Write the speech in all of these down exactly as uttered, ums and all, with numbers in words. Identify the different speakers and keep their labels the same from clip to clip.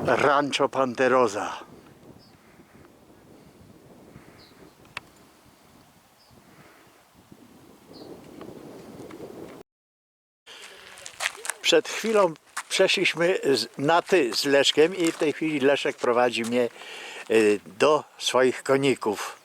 Speaker 1: Rancho Panterosa. Przed chwilą przeszliśmy na ty z Leszkiem i w tej chwili Leszek prowadzi mnie do swoich koników.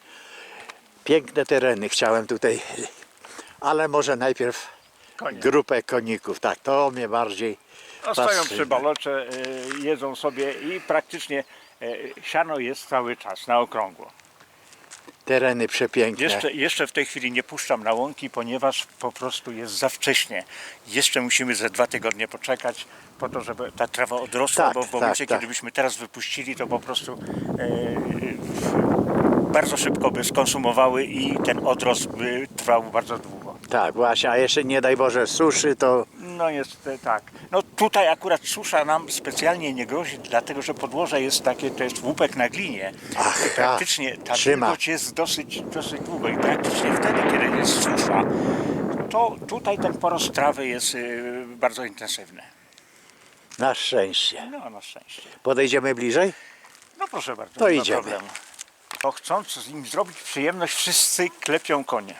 Speaker 1: Piękne tereny chciałem tutaj, ale może najpierw
Speaker 2: Konie.
Speaker 1: grupę koników. Tak, to mnie bardziej
Speaker 2: No, stoją
Speaker 1: fascynuje.
Speaker 2: przy balocze, y, jedzą sobie i praktycznie y, siano jest cały czas na okrągło.
Speaker 1: Tereny przepiękne.
Speaker 2: Jeszcze, jeszcze w tej chwili nie puszczam na łąki, ponieważ po prostu jest za wcześnie. Jeszcze musimy ze dwa tygodnie poczekać po to, żeby ta trawa odrosła,
Speaker 1: Tak,
Speaker 2: bo w momencie,
Speaker 1: tak, tak.
Speaker 2: kiedy byśmy teraz wypuścili, to po prostu y, bardzo szybko by skonsumowały i ten odrost by trwał bardzo długo.
Speaker 1: Tak, właśnie, a jeszcze nie daj Boże suszy, to
Speaker 2: No jest e, tak. No tutaj akurat susza nam specjalnie nie grozi, dlatego że podłoże jest takie, to jest łupek na glinie.
Speaker 1: Ach,
Speaker 2: I praktycznie ta
Speaker 1: trzyma.
Speaker 2: wilgoć jest dosyć, dosyć długo i praktycznie wtedy, kiedy jest susza, to tutaj ten porost trawy jest y, bardzo intensywny.
Speaker 1: na szczęście.
Speaker 2: No na szczęście.
Speaker 1: Podejdziemy bliżej?
Speaker 2: No proszę bardzo,
Speaker 1: To
Speaker 2: nie ma
Speaker 1: idziemy.
Speaker 2: problemu. To chcąc im zrobić przyjemność, wszyscy klepią konie.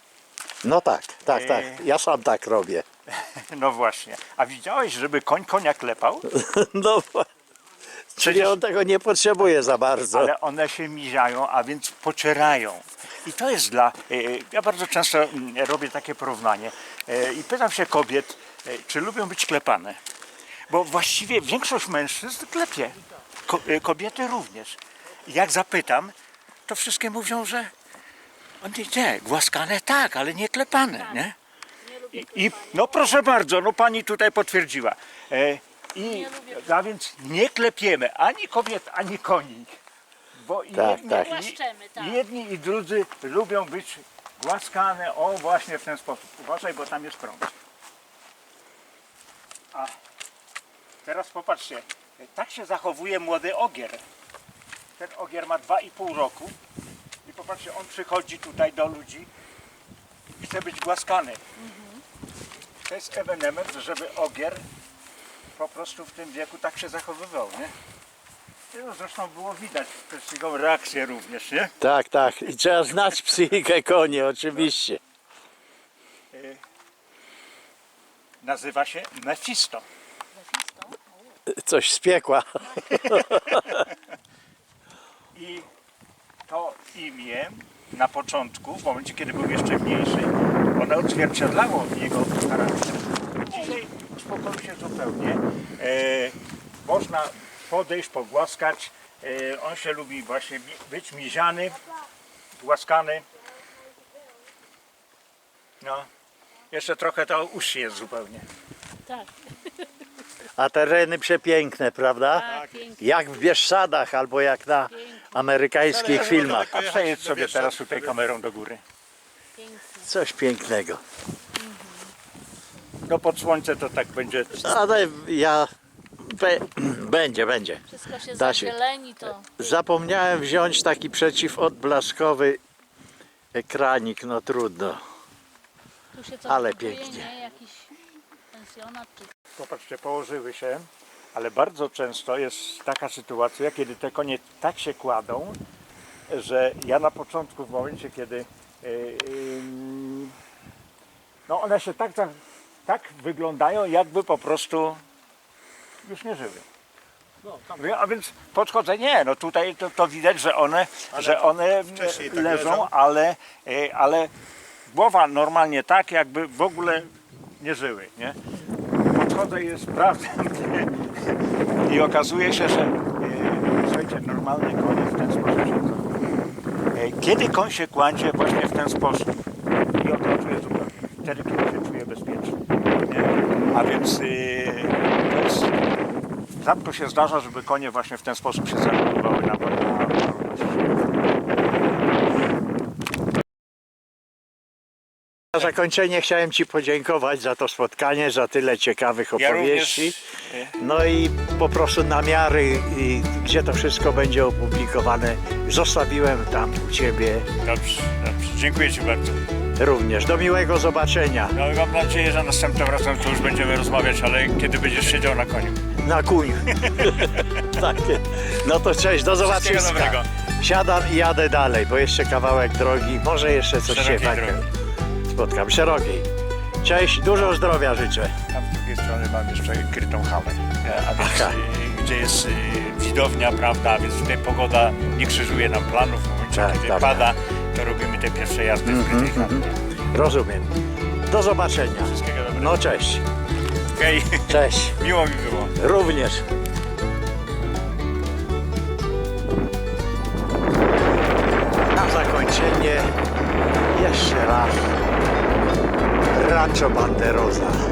Speaker 1: No tak, tak, tak.
Speaker 2: Eee.
Speaker 1: Ja sam tak robię.
Speaker 2: No właśnie. A widziałeś, żeby koń konia klepał?
Speaker 1: No, czyli
Speaker 2: Przecież-
Speaker 1: on tego nie potrzebuje za bardzo.
Speaker 2: Ale one się miziają, a więc pocierają. I to jest dla... e, Ja bardzo często mm, robię takie porównanie e, i pytam się kobiet, e, czy lubią być klepane. Bo właściwie większość mężczyzn klepie. Ko- e, Kobiety również. I jak zapytam, to wszystkie mówią, że on nie, nie, głaskane tak, ale nie klepane, nie? I, I no proszę bardzo, no pani tutaj potwierdziła. E, I a więc nie klepiemy ani kobiet, ani koni. Bo i
Speaker 1: Tak,
Speaker 2: jedni,
Speaker 1: tak.
Speaker 2: i-
Speaker 3: Głaszczemy, tak.
Speaker 2: jedni i drudzy lubią być głaskane, o właśnie w ten sposób. Uważaj, bo tam jest prąd. A teraz popatrzcie, tak się zachowuje młody ogier. Ten ogier ma dwa i pół roku i popatrzcie, on przychodzi tutaj do ludzi i chce być głaskany. To jest ewenement, żeby ogier po prostu w tym wieku tak się zachowywał, nie? No, zresztą było widać przez jego reakcję również, nie?
Speaker 1: Tak, tak. I trzeba znać psychikę koni, oczywiście.
Speaker 2: Nazywa się Mefisto.
Speaker 1: Coś z piekła.
Speaker 2: I to imię na początku, w momencie kiedy był jeszcze mniejszy, ono odzwierciedlało jego charakter. Dzisiaj uspokoił się zupełnie. E, można podejść, pogłaskać. E, on się lubi właśnie mi- być miziany, głaskany. No, jeszcze trochę to uszy jest zupełnie.
Speaker 3: Tak,
Speaker 1: A tereny przepiękne, prawda?
Speaker 3: tak, pięknie.
Speaker 1: Jak w Bieszczadach albo jak na amerykańskich filmach.
Speaker 2: A przejedź sobie teraz tutaj kamerą do góry.
Speaker 1: Coś pięknego.
Speaker 2: No pod słońce to tak będzie.
Speaker 1: Ale ja... Be... Będzie, będzie.
Speaker 3: Wszystko się
Speaker 1: Da się.
Speaker 3: zazieleni, to
Speaker 1: Zapomniałem wziąć taki przeciwodblaskowy ekranik, no trudno.
Speaker 3: tu się co
Speaker 1: Ale
Speaker 3: kupuje,
Speaker 1: pięknie.
Speaker 3: nie? Jakiś pensjonat czy...
Speaker 2: Popatrzcie, położyły się, ale bardzo często jest taka sytuacja, kiedy te konie tak się kładą, że ja na początku, w momencie kiedy yy, yy, no one się tak, za- tak wyglądają, jakby po prostu już nie żyły. Mówię, A więc podchodzę, nie, no tutaj to, to widać, że one, że one
Speaker 4: wcześniej tak
Speaker 2: leżą,
Speaker 4: leżą.
Speaker 2: ale, yy, ale głowa normalnie tak, jakby w ogóle nie żyły, nie? Podchodzę i sprawdzam i okazuje się, że e, słuchajcie, normalne konie w ten sposób się zachowują. E, Kiedy koń się kładzie właśnie w ten sposób i odlatuje zupełnie, wtedy kiedy się czuje bezpiecznie. Nie? A więc e, to jest, rzadko się zdarza, żeby konie właśnie w ten sposób się zachowywały na, na, na
Speaker 1: Na zakończenie chciałem Ci podziękować za to spotkanie, za tyle ciekawych
Speaker 2: Ja
Speaker 1: opowieści.
Speaker 2: również,
Speaker 1: No i po prostu namiary, i gdzie to wszystko będzie opublikowane, zostawiłem tam u Ciebie
Speaker 2: Dobrze, dobrze. Dziękuję Ci bardzo.
Speaker 1: również. Do miłego zobaczenia.
Speaker 2: No i mam nadzieję, że następnym razem to już będziemy rozmawiać, ale kiedy będziesz siedział na koniu.
Speaker 1: na kuniu. Takie. No to cześć, do
Speaker 2: Wszystkiego
Speaker 1: zobaczenia.
Speaker 2: dobrego.
Speaker 1: Siadam i jadę dalej, bo jeszcze kawałek drogi, może jeszcze coś się
Speaker 2: Szerokiej
Speaker 1: tak
Speaker 2: drogi.
Speaker 1: spotkam. Szerokiej. Cześć, dużo zdrowia życzę.
Speaker 2: Tam z drugiej strony mam jeszcze krytą halę, e, a więc,
Speaker 1: Aha.
Speaker 2: e, gdzie jest e, widownia, prawda, a więc tutaj pogoda nie krzyżuje nam planów. W momencie,
Speaker 1: Tak,
Speaker 2: kiedy
Speaker 1: dobra.
Speaker 2: pada, to robimy te pierwsze jazdy w krytej hali.
Speaker 1: Rozumiem. Do zobaczenia.
Speaker 2: Wszystkiego dobrego.
Speaker 1: No cześć.
Speaker 2: Okej,
Speaker 1: Cześć.
Speaker 2: miło mi było.
Speaker 1: Również. Na zakończenie jeszcze raz Rancho Banderosa.